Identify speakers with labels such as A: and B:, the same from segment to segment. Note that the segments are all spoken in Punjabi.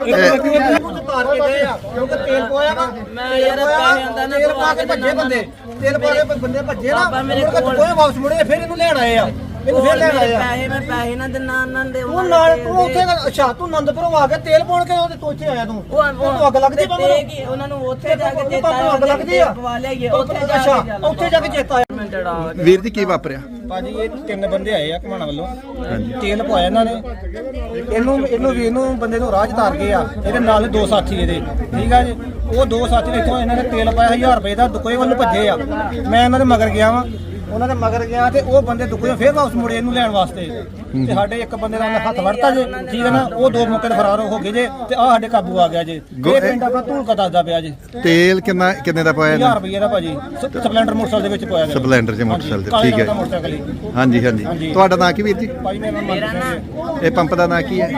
A: ਤੇਲ ਪੋਇਆ ਨਾ ਮੈਂ ਯਾਰ ਪੈਸੇ ਆਂਦਾ ਨਾ ਤੇਲ ਪਾ ਕੇ ਭੱਜੇ ਬੰਦੇ ਨਾ ਮੇਰੇ ਕੋਲ ਕੋਈ ਵਾਪਸ ਮੁੜੇ ਫਿਰ ਇਹਨੂੰ ਲੈਣ ਆਏ ਆ ਇਹਨੂੰ ਫਿਰ ਲੈਣ ਆਏ ਆ ਪੈਸੇ ਨਾ ਦਿਨਾ ਉਹਨਾਂ ਦੇ ਉਹ ਨਾਲ ਤੂੰ ਉੱਥੇ ਅੱਛਾ ਤੂੰ ਆਨੰਦਪੁਰੋਂ ਆ ਕੇ ਤੇਲ ਪਾਉਣ ਕੇ ਉਹਦੇ ਤੋਂ ਇੱਥੇ ਆਇਆ ਤੂੰ ਉਹ ਅੱਗ ਲੱਗਦੀ ਬੰਦ ਨੂੰ ਕੀ ਉਹਨਾਂ ਨੂੰ ਉੱਥੇ ਜਾ ਕੇ ਚੇਤਾ ਅੱਗ ਲੱਗਦੀ ਆ ਪਵਾ ਲਿਆਈਏ ਉੱਥੇ ਜਾ ਕੇ ਚੇਤਾ ਆਇਆ।
B: ਵੀਰ ਜੀ ਕੀ ਵਾਪਰਿਆ?
A: ਭਾਜੀ ਇਹ ਤਿੰਨ ਬੰਦੇ ਆਏ ਆ ਘਮਾਣਾ ਵੱਲੋਂ ਤੇਲ ਪਵਾਇਆ ਇਹਨਾਂ ਨੇ ਇਹਨੂੰ ਬੰਦੇ ਨੂੰ ਰਾਹ ਚ ਤਾਰ ਗਏ ਆ ਇਹਦੇ ਨਾਲ ਦੋ ਸਾਥੀ ਇਹਦੇ ਠੀਕ ਆ ਜੀ ਉਹ ਦੋ ਸਾਥੀ ਇੱਥੋਂ ਇਹਨਾਂ ਨੇ ਤੇਲ ਪਾਇਆ 1000 ਰੁਪਏ ਦਾ ਦੁਕੋਏ ਵੱਲ ਭੱਜੇ ਆ ਮੈਂ ਇਹਨਾਂ ਦੇ ਮਗਰ ਗਿਆ ਵਾਂ ਉਹਨਾਂ ਦੇ ਮਗਰ ਗਿਆ ਤੇ ਉਹ ਬੰਦੇ ਦੁਕੋਏ ਫੇਰ ਵਾਪਸ ਮੁੜੇ ਇਹਨੂੰ ਲੈਣ ਵਾਸਤੇ ਤੇ ਸਾਡੇ ਇੱਕ ਬੰਦੇ ਦਾ ਹੱਥ ਵੜਤਾ ਜੇ ਠੀਕ ਹੈ ਨਾ ਉਹ ਦੋ ਮੌਕੇ ਤੇ ਫਰਾਰ ਹੋ ਗਏ ਜੇ ਤੇ ਆ ਸਾਡੇ ਕਾਬੂ ਆ ਗਿਆ ਜੇ ਇਹ ਪਿੰਡ ਆਪਣਾ ਧੂਲਕਾ ਦੱਸਦਾ ਪਿਆ ਜੇ।
B: ਤੇਲ ਕਿੰਨੇ ਦਾ ਪਾਇਆ?
A: 1000 ਰੁਪਏ ਦਾ ਭਾਜੀ ਸਪਲੈਂਡਰ ਮੋਟਰਸਾਈਕਲ ਦੇ ਵਿੱਚ ਪਾਇਆ ਗਿਆ।
B: ਸਪਲੈਂਡਰ ਦੇ ਮੋਟਰਸਾਈਕਲ ਤੇ ਠੀਕ ਹੈ। ਹਾਂਜੀ ਤੁਹਾਡਾ ਨਾਂ ਕੀ ਵੀਰ ਜੀ?
A: ਭਾਜੀ ਮੇਰਾ ਨਾਮ
B: ਇਹ ਪੰਪ ਦਾ ਨਾਂ ਕੀ ਹੈ?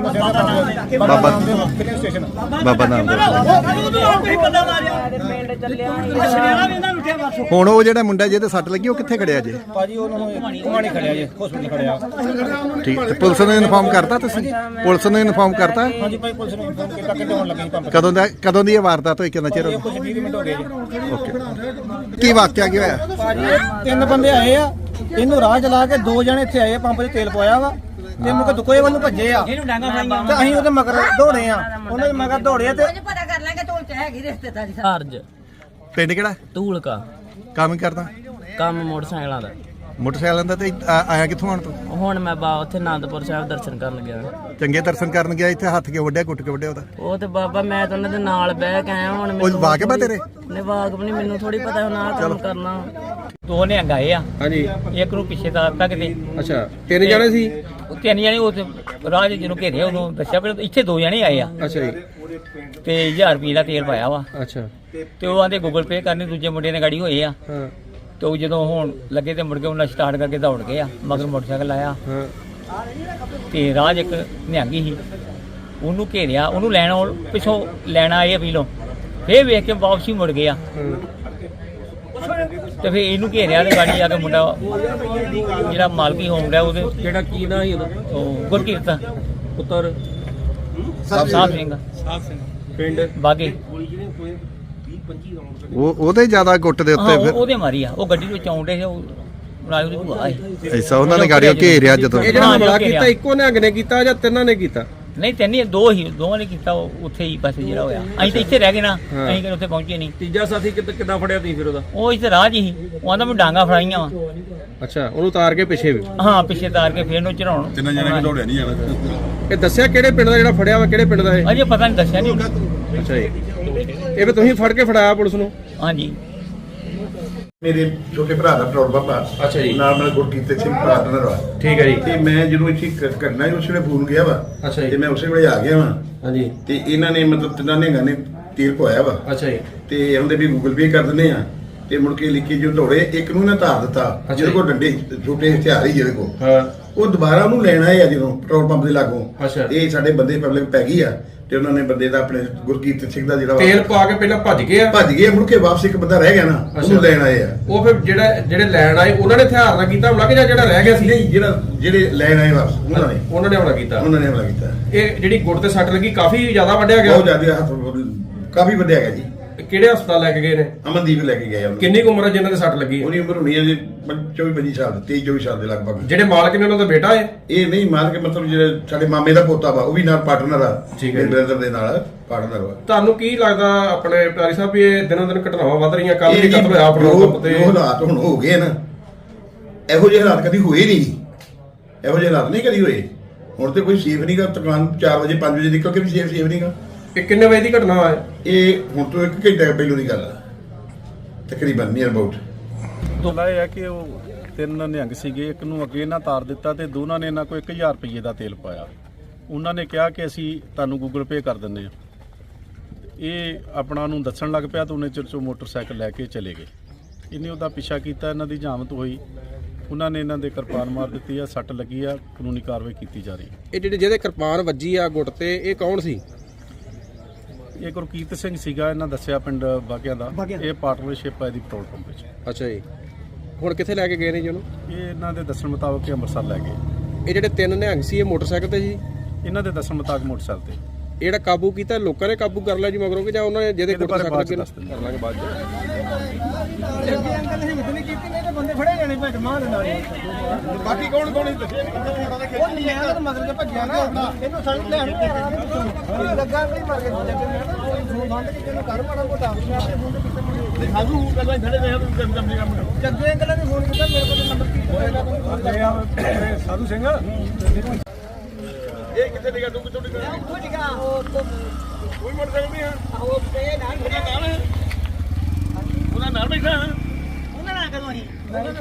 B: ਬਾਬਾ ਨਾਮ ਹੁਣ ਉਹ ਜਿਹੜਾ ਮੁੰਡਾ ਜਿਹਦੇ ਸੱਟ ਲੱਗੀ ਉਹ ਕਿੱਥੇ ਖੜਿਆ ਜੇ?
A: ਭਾਜੀ ਉਹਨਾਂ ਨੂੰ ਘੁਮਾਣੇ ਖੜਿਆ ਜੇ ਹਸਪੀਟਲ ਖੜਿਆ।
B: ਠੀਕ ਤੇ ਪੁਲਿਸ ਨੂੰ ਇਨਫਾਰਮ ਕਰਤਾ ਤੁਸੀਂ? ਪੁਲਿਸ ਨੂੰ ਇਨਫਾਰਮ ਕਰਤਾ?
A: ਹਾਂਜੀ ਭਾਈ ਪੁਲਿਸ ਨੂੰ ਇਨਫਾਰਮ ਕੀਤਾ ਕਿ ਆਉਣ ਲੱਗੇ ਪੰਪ।
B: ਕਦੋਂ ਦੀ ਇਹ ਵਾਰਦਾਤ ਹੋਈ? ਕਿੰਨਾ ਚਿਰ ਹੋ ਗਿਆ?
A: ਕੁਝ 20 ਮਿੰਟ ਹੋ ਗਏ ਜੀ।
B: ਓਕੇ ਕੀ ਵਾਕਿਆ ਕੀ ਹੋਇਆ?
A: ਭਾਜੀ ਤਿੰਨ ਬੰਦੇ ਆਏ ਆ ਇਹਨੂੰ ਰਾਹ ਚਲਾ ਕੇ ਦੋ ਜਣੇ ਇੱਥੇ ਆਏ ਪੰਪ 'ਚ ਤੇਲ ਪਵਾਇਆ ਵਾ ਤੇ ਮੁਕ ਦੁਕੋਏ ਵੱਲ ਨੂੰ ਭੱਜੇ ਆ ਤੇ ਅਸੀਂ ਉਹਦੇ ਮਗਰ ਦੌੜੇ ਆ ਉਹਨਾਂ ਦੇ ਮਗਰ ਦੌੜੇ ਤੇ
C: ਪਤਾ ਕਰ ਲਾਂਗੇ ਧੂਲ ਚ ਹੈਗੀ ਰਿਸ਼ਤੇਦਾਰੀ
D: ਹਰਜ
B: ਪਿੰਡ ਕਿਹੜਾ?
D: ਧੂਲਕਾ।
B: ਕੰਮ ਕਰਦਾ?
D: ਕੰਮ ਮੋਟਰਸਾਈਕਲਾਂ ਦਾ।
B: ਮੋਟਰਸਾਈਕਲਾਂ ਦਾ ਤੇ ਆਇਆ ਕਿੱਥੋਂ ਆਣ ਤੂੰ?
D: ਹੁਣ ਮੈਂ ਉੱਥੇ ਆਨੰਦਪੁਰ ਸਾਹਿਬ ਦਰਸ਼ਨ ਕਰਨ ਗਿਆ।
B: ਚੰਗੇ ਦਰਸ਼ਨ ਕਰਨ ਗਿਆ ਇੱਥੇ ਹੱਥ ਕੇ ਵੱਢਿਆ ਕੁੱਟ ਕੇ ਵੱਢਿਆ ਉਹਦਾ?
D: ਉਹ ਤੇ ਬਾਬਾ ਮੈਂ ਤਾਂ ਉਹਨਾਂ ਦੇ ਨਾਲ ਬਹਿ ਕੇ ਆਇਆ ਹੁਣ
B: ਉਹ ਵਾਕਿਬ ਆ ਤੇਰੇ?
D: ਨੇ ਵਾਕਿਬ ਨਹੀਂ ਮੈਨੂੰ ਥੋੜੀ ਪਤਾ ਹੁਣ ਆਹ ਕੰਮ ਕਰਨਾ।
E: ਦੋ ਨਿਹੰਗ ਆਏ ਆ
F: ਹਾਂਜੀ
E: ਇੱਕ ਨੂੰ ਪਿੱਛੇ ਤਾਰਤਾ ਕਿਤੇ।
F: ਅੱਛਾ ਤਿੰਨ ਜਣੇ ਸੀ?
E: ਤਿੰਨ ਜਣੇ ਉਹ ਰਾਜ ਜਿਹਨੂੰ ਘੇਰੇ ਉਦੋਂ ਦੱਸਿਆ ਪਰ ਇੱਥੇ ਦੋ ਜਣੇ ਆਏ ਆ
F: ਅੱਛਾ ਜੀ
E: ਤੇ 1000 ਰੁਪਏ ਦਾ ਤੇਲ ਪਾਇਆ ਵਾ
F: ਅੱਛਾ
E: ਤੇ ਉਹ ਆਂਦੇ ਗੂਗਲ ਪੇ ਕਰਨੇ ਦੂਜੇ ਮੁੰਡੇ ਨੇ ਗਾੜੀ ਹੋਏ ਆ
F: ਹਾਂ
E: ਤੇ ਉਹ ਜਦੋਂ ਹੁਣ ਲੱਗੇ ਤੇ ਮੁੜ ਕੇ ਉਹਨਾਂ ਸਟਾਰਟ ਕਰਕੇ ਦੌੜ ਗਏ ਆ ਮਗਰ ਮੋਟਰਸਾਈਕਲ ਆਇਆ
F: ਹਾਂ
E: ਤੇ ਰਾਜ ਇੱਕ ਨਿਹੰਗੀ ਸੀ ਉਹਨੂੰ ਘੇਰਿਆ ਉਹਨੂੰ ਲੈਣ ਪਿੱਛੋਂ ਲੈਣ ਆਏ ਆ ਪੀਲੋਂ ਫੇਰ ਵੇਖ ਕੇ ਵਾਪਸੀ ਮੁੜ ਗਏ ਆ ਤੇ ਫੇਰ ਇਹਨੂੰ ਘੇਰਿਆ ਤੇ ਗਾੜੀ ਆ ਕੇ ਮੁੰਡਾ ਜਿਹੜਾ ਮਾਲਕੀ ਹੋਮ ਦਾ ਉਹਦੇ
F: ਜਿਹੜਾ ਕੀ ਨਾਂ ਸੀ ਉਹਦਾ?
E: ਉਹ ਗੁਰਕੀਰਤ
F: ਪੁੱਤਰ
E: ਸਾਹਿਬ ਸਿੰਘ
F: ਪਿੰਡ
E: ਬਾਗੇ
B: ਉਹਦੇ ਜ਼ਿਆਦਾ ਗੁੱਟ ਦੇ ਉੱਤੇ ਫਿਰ
E: ਉਹਦੇ ਮਾਰੀ ਆ ਉਹ ਗੱਡੀ ਵਿੱਚ ਆਉਂਦੇ ਸੀ ਉਹ ਨਾਲ ਉਹਦੀ ਭੂਆ ਆਏ
B: ਐਸਾ ਉਹਨਾਂ ਨੇ ਗਾੜੀਆਂ ਘੇਰਿਆ ਜਦੋਂ?
F: ਇਹ ਜਿਹੜਾ ਹਮਲਾ ਕੀਤਾ ਇੱਕੋ ਨਿਹੰਗ ਨੇ ਕੀਤਾ ਜਾਂ ਤਿੰਨਾਂ ਨੇ ਕੀਤਾ?
E: ਨਹੀਂ ਤਿੰਨੇ ਦੋ ਹੀ ਦੋਵਾਂ ਨੇ ਕੀਤਾ ਉੱਥੇ ਹੀ ਪਾਸੇ ਜਿਹੜਾ ਹੋਇਆ ਅਸੀਂ ਤਾਂ ਇੱਥੇ ਰਹਿ ਗਏ ਨਾ ਅਸੀਂ ਕਿ ਉੱਥੇ ਪਹੁੰਚੇ ਨਹੀਂ।
F: ਤੀਜਾ ਸਾਥੀ ਕਿੱਦਾਂ ਫੜਿਆ ਤੁਸੀਂ ਫਿਰ ਉਹਦਾ?
E: ਉਹ ਇੱਥੇ ਰਾਹ 'ਚ ਹੀ ਉਹ ਆਂਦਾ ਮੈਂ ਡਾਂਗਾ ਫੜਾਈਆਂ ਵਾ
F: ਅੱਛਾ ਉਹਨੂੰ ਉਤਾਰ ਕੇ ਪਿੱਛੇ ਵੀ?
E: ਹਾਂ ਪਿੱਛੇ ਤਾਰ ਕੇ ਫੇਰ ਨੂੰ ਚੜਾਉਣ
G: ਤਿੰਨ ਜਣੇ ਦੌੜਿਆ ਨਹੀਂ ਜਾਣਾ।
F: ਇਹ ਦੱਸਿਆ ਕਿਹੜੇ ਪਿੰਡ ਦਾ ਜਿਹੜਾ ਫੜਿਆ ਵਾ ਕਿਹੜੇ ਪਿੰਡ ਦਾ ਇਹ?
E: ਅਜੇ ਪਤਾ ਨਹੀਂ ਦੱਸਿਆ ਨਹੀਂ।
F: ਅੱਛਾ ਜੀ ਇਹ ਵੀ ਤੁਸੀਂ ਫੜ ਕੇ ਫੜਾਇਆ ਪੁਲਿਸ ਨੂੰ?
E: ਹਾਂਜੀ
G: ਮੇਰੇ ਛੋਟੇ ਭਰਾ ਦਾ ਪੈਟਰੋਲ ਪੰਪ ਆ।
F: ਅੱਛਾ ਜੀ।
G: ਨਾਲ ਮੇਰੇ ਗੁਰਕੀਰਤ ਸਿੰਘ ਪਾਰਟਨਰ ਵਾ।
F: ਠੀਕ ਹੈ ਜੀ।
G: ਤੇ ਮੈਂ ਜਦੋਂ ਇੱਥੇ ਕਰਨਾ ਹੀ ਉਸੇ ਵੇਲੇ ਫੋਨ ਗਿਆ ਵਾ।
F: ਅੱਛਾ ਜੀ।
G: ਤੇ ਮੈਂ ਉਸੇ ਵੇਲੇ ਆ ਗਿਆ ਵਾ।
F: ਹਾਂਜੀ
G: ਤੇ ਇਹਨਾਂ ਨੇ ਮਤਲਬ ਤਿੰਨਾਂ ਨੇ ਗਾਣੇ ਤੀਰ ਪਵਾਇਆ ਵਾ।
F: ਅੱਛਾ ਜੀ
G: ਤੇ ਉਹਦੇ ਵੀ ਗੂਗਲ ਪੇ ਕਰ ਦਿੰਦੇ ਆ ਤੇ ਮੁੜ ਕੇ ਲਿਖੀ ਜੋ ਦੌੜੇ ਇੱਕ ਨੂੰ ਨਾ ਧਾਰ ਦਿੱਤਾ ਜਿਹਦੇ ਕੋਲ ਡੰਡੇ ਛੋਟੇ ਹਥਿਆਰ ਹੀ ਜਿਹਦੇ ਕੋਲ
F: ਹਾਂ
G: ਉਹ ਦੁਬਾਰਾ ਉਹਨੂੰ ਲੈਣ ਆਏ ਆ ਜਦੋਂ ਪੈਟਰੋਲ ਪੰਪ ਦੇ ਲਾਗੋਂ।
F: ਅੱਛਾ।
G: ਇਹ ਸਾਡੇ ਬੰਦੇ ਪਬਲਿਕ ਪੈ ਗਈ ਆ ਤੇ ਉਹਨਾਂ ਨੇ ਬੰਦੇ ਦਾ ਆਪਣੇ ਗੁਰਕੀਰਤ ਸਿੰਘ ਦਾ ਜਿਹੜਾ ਵਾ
F: ਤੇਲ ਪਾ ਕੇ ਪਹਿਲਾਂ ਭੱਜ ਗਏ ਆ?
G: ਭੱਜ ਗਏ ਮੁੜ ਕੇ ਵਾਪਸ ਇੱਕ ਬੰਦਾ ਰਹਿ ਗਿਆ ਨਾ ਉਹਨੂੰ ਲੈਣ ਆਏ ਆ।
F: ਉਹ ਫਿਰ ਜਿਹੜੇ ਲੈਣ ਆਏ ਉਹਨਾਂ ਨੇ ਹਥਿਆਰ ਨਾਲ ਕੀਤਾ ਹਮਲਾ ਕਿ ਜਾਂ ਜਿਹੜਾ ਰਹਿ ਗਿਆ ਸੀ?
G: ਨਹੀਂ ਜਿਹੜੇ ਲੈਣ ਆਏ ਵਾਪਸ ਉਹਨਾਂ ਨੇ
F: ਹਮਲਾ ਕੀਤਾ?
G: ਉਹਨਾਂ ਨੇ ਹਮਲਾ ਕੀਤਾ।
F: ਇਹ ਜਿਹੜੀ ਗੁੱਟ ਤੇ ਸੱਟ ਲੱਗੀ ਕਾਫੀ ਜ਼ਿਆਦਾ ਵੱਢਿਆ ਗਿਆ?
G: ਬਹੁਤ ਜ਼ਿਆਦਾ ਹੱਥ ਕਾਫੀ ਵੱਡਿਆ ਗਿਆ ਜੀ।
F: ਕਿਹੜੇ ਹਸਪਤਾਲ ਲੈ ਕੇ ਗਏ ਨੇ?
G: ਅਮਨਦੀਪ ਲੈ ਕੇ ਗਏ ਉਹਨੂੰ।
F: ਕਿੰਨੀ ਕੁ ਉਮਰ ਹੈ ਜਿਨ੍ਹਾਂ ਦੇ ਸੱਟ ਲੱਗੀ?
G: ਉਹਦੀ ਉਮਰ ਹੋਣੀ ਹੈ ਜੀ 24-25 ਸਾਲ 23-24 ਸਾਲ ਦੇ ਲਗਭਗ।
F: ਜਿਹੜੇ ਮਾਲਕ ਨੇ ਉਹਨਾਂ ਦਾ ਬੇਟਾ ਹੈ?
G: ਇਹ ਨਹੀਂ ਮਾਰ ਕੇ ਮਤਲਬ ਜਿਹੜੇ ਸਾਡੇ ਮਾਮੇ ਦਾ ਪੋਤਾ ਵਾ ਉਹ ਵੀ ਨਾਲ ਪਾਰਟਨਰ ਆ।
F: ਠੀਕ ਹੈ।
G: ਬ੍ਰਦਰ ਦੇ ਨਾਲ ਪਾਰਟਨਰ ਵਾ।
F: ਤੁਹਾਨੂੰ ਕੀ ਲੱਗਦਾ ਆਪਣੇ ਪਿਆਰੀ ਸਾਹਿਬ ਵੀ ਇਹ ਦਿਨੋਂ ਦਿਨ ਘਟਨਾਵਾਂ ਵੱਧ ਰਹੀਆਂ? ਕੱਲ ਵੀ ਕਤਲ ਹੋਇਆ ਪੈਟਰੋਲ ਪੰਪ ਤੇ।
G: ਜੋ ਹਾਲਾਤ ਹੁਣ ਹੋ ਗਏ ਨਾ ਇਹੋ ਜਿਹੇ ਹਾਲਾਤ ਕਦੀ ਹੋਏ ਨਹੀਂ। ਇਹੋ ਜਿਹੇ ਹਾਲਾਤ ਨਹੀਂ ਕਦੀ ਹੋਏ। ਹੁਣ ਤੇ ਕੋਈ ਸੇਫ ਨਹੀਂਗਾ। ਦੁਕਾਨ 4 ਵਜੇ 5 ਵਜੇ ਨਿਕਲ ਕੇ ਵੀ ਸੇਫ ਨਹੀਂਗਾ।
F: ਇਹ ਕਿੰਨੇ ਵਜੇ ਦੀ ਘਟਨਾ ਹੈ?
G: ਇਹ ਹੁਣ ਤੋਂ 1 ਘੰਟੇ ਪਹਿਲੋਂ ਦੀ ਗੱਲ ਆ ਤਕਰੀਬਨ ਨੀਅਰ ਅਬਾਊਟ।
H: ਦੋਲਾ ਇਹ ਹੈ ਕਿ ਉਹ ਤਿੰਨ ਨਿਹੰਗ ਸੀਗੇ ਇੱਕ ਨੂੰ ਅੱਗੇ ਨਾ ਤਾਰ ਦਿੱਤਾ ਤੇ ਦੋਨਾਂ ਨੇ ਇਹਨਾਂ ਕੋਲ 1000 ਰੁਪਏ ਦਾ ਤੇਲ ਪਾਇਆ। ਉਹਨਾਂ ਨੇ ਕਿਹਾ ਕਿ ਅਸੀਂ ਤੁਹਾਨੂੰ ਗੂਗਲ ਪੇ ਕਰ ਦਿੰਦੇ ਹਾਂ। ਇਹ ਆਪਣਾ ਨੂੰ ਦੱਸਣ ਲੱਗ ਪਿਆ ਤਾਂ ਉਹਨੇ ਚਿਰ 'ਚੋਂ ਮੋਟਰਸਾਈਕਲ ਲੈ ਕੇ ਚਲੇ ਗਏ। ਇਹਨੇ ਉਹਦਾ ਪਿੱਛਾ ਕੀਤਾ ਇਹਨਾਂ ਦੀ ਜਾਮਤ ਹੋਈ। ਉਹਨਾਂ ਨੇ ਇਹਨਾਂ ਦੇ ਕਿਰਪਾਨ ਮਾਰ ਦਿੱਤੀ ਆ ਸੱਟ ਲੱਗੀ ਆ ਕਾਨੂੰਨੀ ਕਾਰਵਾਈ ਕੀਤੀ ਜਾ ਰਹੀ।
F: ਇਹ ਜਿਹਦੇ ਕਿਰਪਾਨ ਵੱਜੀ ਆ ਗੁੱਟ ਤੇ ਇਹ ਕੌਣ ਸੀ?
H: ਇਹ ਗੁਰਕੀਰਤ ਸਿੰਘ ਸੀਗਾ ਇਹਨਾਂ ਦੱਸਿਆ ਪਿੰਡ ਬਾਗਿਆਂ ਦਾ। ਇਹ ਪਾਰਟਨਰਸ਼ਿਪ ਹੈ ਦੀ ਪੈਟਰੋਲ ਪੰਪ ਵਿੱਚ।
F: ਅੱਛਾ ਜੀ ਹੁਣ ਕਿੱਥੇ ਲੈ ਕੇ ਗਏ ਨੇ ਜੀ ਉਹਨੂੰ?
H: ਇਹ ਇਹਨਾਂ ਦੇ ਦੱਸਣ ਮੁਤਾਬਕ ਅੰਮ੍ਰਿਤਸਰ ਲੈ ਗਏ।
F: ਇਹ ਜਿਹੜੇ ਤਿੰਨ ਨਿਹੰਗ ਸੀ ਇਹ ਮੋਟਰਸਾਈਕਲ ਤੇ ਸੀ?
H: ਇਹਨਾਂ ਦੇ ਦੱਸਣ ਮੁਤਾਬਕ ਮੋਟਰਸਾਈਕਲ ਤੇ।
F: ਜਿਹੜਾ ਕਾਬੂ ਕੀਤਾ ਲੋਕਾਂ ਨੇ ਕਾਬੂ ਕਰ ਲਿਆ ਜੀ ਮਗਰੋਂ ਕਿ ਜਾਂ ਉਹਨਾਂ ਨੇ ਜਿਹਦੇ ਕੋਲ
H: ਬਾਰੇ ਬਾਅਦ ਚ
F: ਲੱਗੇ
H: ਦੱਸ ਦਿੰਦੇ।
F: ਕਰ ਲਾਂਗੇ ਬਾਅਦ ਚ
A: ਅੱਗੇ ਅੰਕਲ ਨੇ ਹਿੰਮਤ ਨਹੀਂ ਕੀਤੀ ਨਹੀਂ ਤੇ ਬੰਦੇ ਫੜੇ ਜਾਣੇ ਭੱਜ ਮਾਰ ਦੇ ਨਾਲ
F: ਬਾਕੀ ਕੌਣ ਕੌਣ ਦੱਸਿਆ
A: ਉਹ ਨਿਆਂ ਦੇ ਮਗਰ ਤੇ ਭੱਜਿਆ ਨਾ ਇਹਨੂੰ ਸਾਨੂੰ ਲੈਣ ਨਹੀਂ ਆ ਰਿਹਾ ਲੱਗਾ ਕੋਈ ਮਰ ਕੇ ਕੋਈ ਫੋਨ ਬੰਦ ਕੇ ਇਹਨੂੰ ਕਰ ਮਾੜਾ ਮੋਟਾ
F: ਸਾਨੂੰ ਗੱਲਾਂ ਖੜੇ ਰਹੇ
A: ਜੱਗੇ ਅੰਕਲ ਨੇ ਫੋਨ ਕੀਤਾ ਮੇਰੇ ਕੋਲ ਨੰਬਰ ਕੀ ਹੋਏਗਾ
F: ਸਾਧੂ ਸਿੰਘ ਇਹ ਕਿੱਥੇ ਨਿਕਾ ਤੂੰ ਕਿੱਥੋਂ ਨਿਕਾ
C: ਉਹ ਜਗਾ ਉਹ
F: ਕੋਈ ਮੋਟਰਸਾਈਕਲ ਨਹੀਂ ਆ
C: ਉਹ ਤੇ ਨਾਲ
F: ਉਹਨਾਂ ਨਾਲ ਬੈਠਾ
C: ਉਹਨਾਂ ਨਾਲ ਕਦੋਂ ਹੀ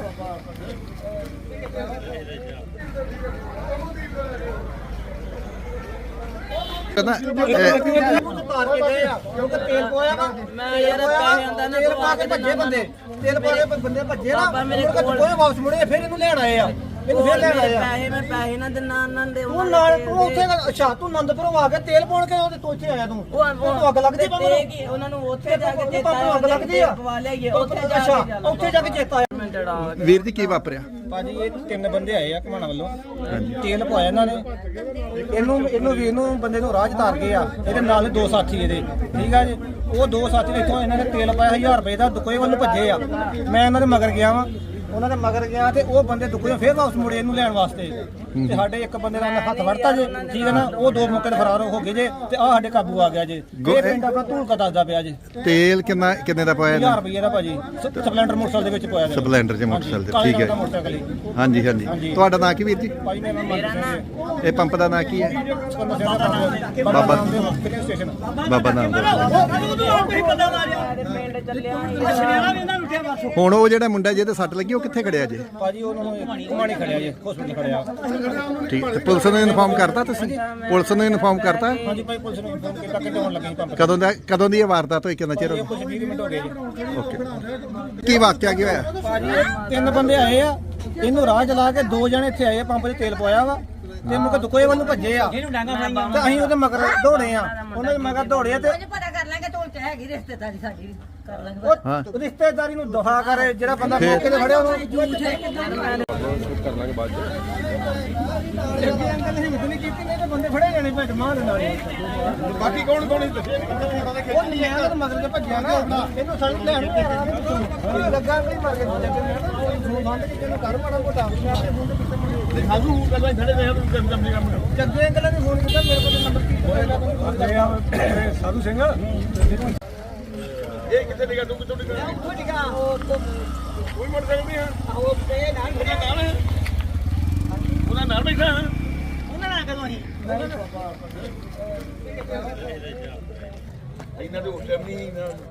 B: ਕਹਿੰਦਾ
A: ਤਾਰ ਕੇ ਗਏ ਆ ਕਿਉਂਕਿ ਤੇਲ ਪੋਇਆ ਵਾ
D: ਮੈਂ ਯਾਰ ਪੈਸੇ ਆਂਦਾ ਨਾ
A: ਤੇਲ ਪਾ ਕੇ ਭੱਜੇ ਬੰਦੇ ਤੇਲ ਪਾ ਕੇ ਬੰਦੇ ਭੱਜੇ ਨਾ
D: ਬਾਬਾ ਮੇਰੇ
A: ਮੁੜ ਕੇ
D: ਕੋਲ-
A: ਕੋਈ ਵਾਪਸ ਮੁੜੇ ਫਿਰ ਇਹਨੂੰ ਲੈਣ ਆਏ ਆ ਇਹਨੂੰ ਫਿਰ ਲੈਣ ਆਏ ਆ
D: ਪੈਸੇ ਮੈਂ ਪੈਸੇ ਨਾ ਦਿਨਾ ਉਹਨਾਂ ਦੇ
A: ਤੂੰ ਨਾਲ ਤੂੰ ਉੱਥੇ ਅੱਛਾ ਤੂੰ ਆਨੰਦਪੁਰੋਂ ਆ ਕੇ ਤੇਲ ਪਾਉਣ ਕੇ ਉਹਦੇ ਤੋਂ ਇੱਥੇ ਆਇਆ ਤੂੰ ਤੂੰ ਅੱਗ ਲੱਗਦੀ ਬਾਬਾ ਨੂੰ
D: ਕੀ ਉਹਨਾਂ ਨੂੰ ਉੱਥੇ ਜਾ ਕੇ ਚੇਤਾ
A: ਪਾਪਾ ਅੱਗ ਲੱਗਦੀ ਆ
D: ਪਵਾ ਲਿਆਈਏ ਉੱਥੇ ਜਾ
A: ਅੱਛਾ
D: ਕੇ
A: ਉੱਥੇ ਜਾ ਕੇ ਚੇਤਾ ਆਇਆ
B: ਵੀਰ ਜੀ ਕੀ ਵਾਪਰਿਆ?
A: ਭਾਜੀ ਇਹ ਤਿੰਨ ਬੰਦੇ ਆਏ ਆ ਘਮਾਣਾ ਵੱਲੋਂ ਤੇਲ ਪਵਾਇਆ ਇਹਨਾਂ ਨੇ ਇਹਨੂੰ ਵੀਰ ਨੂੰ ਬੰਦੇ ਨੂੰ ਰਾਹ 'ਚ ਤਾਰ ਗਏ ਆ ਇਹਦੇ ਨਾਲ ਦੋ ਸਾਥੀ ਇਹਦੇ ਠੀਕ ਆ ਜੀ ਉਹ ਦੋ ਸਾਥੀ ਇੱਥੋਂ ਇਹਨਾਂ ਨੇ ਤੇਲ ਪਾਇਆ 1000 ਰੁਪਏ ਦਾ ਦੁਕੋਏ ਵੱਲ ਭੱਜੇ ਆ ਮੈਂ ਇਹਨਾਂ ਦੇ ਮਗਰ ਗਿਆ ਵਾਂ ਉਹਨਾਂ ਦੇ ਮਗਰ ਗਿਆ ਤੇ ਉਹ ਬੰਦੇ ਦੁਕੋਏ ਫੇਰ ਵਾਪਸ ਮੁੜੇ ਇਹਨੂੰ ਲੈਣ ਵਾਸਤੇ ਤੇ ਸਾਡੇ ਇੱਕ ਬੰਦੇ ਦਾ ਹੱਥ ਵੜਤਾ ਜੇ ਠੀਕ ਹੈ ਨਾ ਉਹ ਦੋ ਮੌਕੇ ਤੇ ਫਰਾਰ ਹੋ ਗਏ ਜੇ ਤੇ ਆ ਸਾਡੇ ਕਾਬੂ ਆ ਗਿਆ ਜੇ ਇਹ ਪਿੰਡ ਆਪਣਾ ਧੂਲਕਾ ਦੱਸਦਾ ਪਿਆ ਜੇ
B: ਤੇਲ ਕਿੰਨੇ ਦਾ ਪਾਇਆ
A: 1000 ਰੁਪਏ ਦਾ ਭਾਜੀ ਸਪਲੈਂਡਰ ਮੋਟਰਸਾਈਕਲ ਦੇ ਵਿੱਚ ਪਾਇਆ ਗਿਆ
B: ਸਪਲੈਂਡਰ 'ਚ ਮੋਟਰਸਾਈਕਲ ਤੇ ਠੀਕ ਹੈ
A: ਮੋਟਰਸਾਈਕਲ ਹੀ।
B: ਹਾਂਜੀ ਹਾਂਜੀ ਤੁਹਾਡਾ ਨਾਂ ਕੀ ਵੀਰ ਜੀ?
A: ਭਾਜੀ ਮੇਰਾ ਨਾਮ
B: ਇਹ ਪੰਪ ਦਾ ਨਾਂ ਕੀ ਹੈ?
A: ਬਾਬਾ
B: ਬਾਬਾ
A: ਸਟੇਸ਼ਨ
B: ਬਾਬਾ ਨਾਮ ਦਾ।
D: ਪਿੰਡ ਚੱਲਿਆ
B: ਹੁਣ ਉਹ ਜਿਹੜਾ ਮੁੰਡਾ ਜਿਹਦੇ ਸੱਟ ਲੱਗੀ ਉਹ ਕਿੱਥੇ ਖੜਿਆ ਜੇ?
A: ਭਾਜੀ ਉਹਨੂੰ ਘੁਮਾਣੀ ਖੜਿਆ ਜੇ ਹਸਪੀਟਲ ਖੜਿਆ
B: ਠੀਕ ਤੇ ਪੁਲਿਸ ਨੂੰ ਇਨਫਾਰਮ ਕਰਤਾ ਤੁਸੀਂ? ਪੁਲਿਸ ਨੂੰ ਇਨਫਾਰਮ ਕਰਤਾ?
A: ਹਾਂਜੀ ਭਾਈ ਪੁਲਿਸ ਨੂੰ ਫੋਨ ਕੀਤਾ ਕਿ ਹੋਣ ਲੱਗੇ ਪੰਪ
B: ਕਦੋਂ ਦੀ ਇਹ ਵਾਰਦਾਤ ਹੋਈ? ਕਿੰਨਾ ਚਿਰ ਹੋ
A: ਕੁਝ 20 ਮਿੰਟ ਹੋ ਗਏ ਜੀ
B: ਗਿਆ? ਓਕੇ ਕੀ ਵਾਕਿਆ ਕੀ ਹੋਇਆ?
A: ਭਾਜੀ ਤਿੰਨ ਬੰਦੇ ਆਏ ਆ ਇਹਨੂੰ ਰਾਹ ਚਲਾ ਕੇ ਦੋ ਜਣੇ ਇੱਥੇ ਆਏ ਆ ਪੰਪ 'ਚ ਤੇਲ ਪਵਾਇਆ ਵਾ ਤੇ ਮੁਕ ਦੁਕੋਏ ਵੱਲ ਨੂੰ ਭੱਜੇ ਆ ਤੇ ਅਸੀਂ ਉਹਦੇ ਮਗਰ ਦੌੜੇ ਆ ਉਹਨਾਂ ਦੇ ਮਗਰ ਦੌੜੇ ਆ ਤੇ
C: ਕੁਝ ਪਤਾ ਕਰ ਲਾਂਗੇ ਢੋਲ ਚ ਹੈਗੀ ਰਿਸ਼ਤੇਦਾਰੀ ਸਾਡੀ ਵੀ ਕਰ ਲਾਂਗੇ
A: ਉਹ ਰਿਸ਼ਤੇਦਾਰੀ ਨੂੰ ਦੁਹਾ ਕਰੇ ਜਿਹੜਾ ਬੰਦਾ ਮੌਕੇ ਤੇ ਫੜਿਆ ਉਹਨੂੰ
F: ਕਰ ਲਾਂਗੇ ਬਾਅਦ ਚ
A: ਅੱਗੇ ਅੰਕਲ ਨੇ ਹਿੰਮਤ ਨਹੀਂ ਕੀਤੀ ਨਹੀਂ ਤੇ ਬੰਦੇ ਫੜੇ ਜਾਣੇ ਭੱਜ ਮਾਰ ਦੇ ਨਾਲ
F: ਬਾਕੀ ਕੌਣ ਕੌਣ ਦੱਸਿਆ
A: ਉਹ ਨਿਆਂ ਦੇ ਮਗਰ ਤੇ ਭੱਜਿਆ ਨਾ ਇਹਨੂੰ ਸਾਨੂੰ ਲੈਣ ਨਹੀਂ ਆ ਰਿਹਾ ਲੱਗਾ ਕੋਈ ਮਰ ਕੇ ਕੋਈ ਫੋਨ ਬੰਦ ਕੇ ਇਹਨੂੰ ਕਰ ਮਾੜਾ ਮੋਟਾ
F: ਸਾਨੂੰ ਗੱਲਾਂ ਖੜੇ ਰਹੇ
A: ਜੱਗੇ ਅੰਕਲ ਨੇ ਫੋਨ ਕੀਤਾ ਮੇਰੇ ਕੋਲ ਨੰਬਰ ਕੀ ਹੋਏਗਾ
F: ਸਾਧੂ ਸਿੰਘ ਇਹ ਕਿੱਥੇ ਨਿਕਾ ਤੂੰ ਕਿੱਥੋਂ ਨਿਕਾ
C: ਉਹ ਜਗਾ ਉਹ
F: ਕੋਈ ਮੋਟਰਸਾਈਕਲ ਨਹੀਂ ਆ
C: ਉਹ ਤੇ ਨਾਲ
F: ਉਹਨਾਂ ਨਾਲ ਬੈਠਾ
C: ਉਹਨਾਂ ਨਾਲ ਕਦੋਂ ਹੀ
F: ਇਹਨਾਂ ਦੇ ਹੋਟਲ ਨਹੀਂ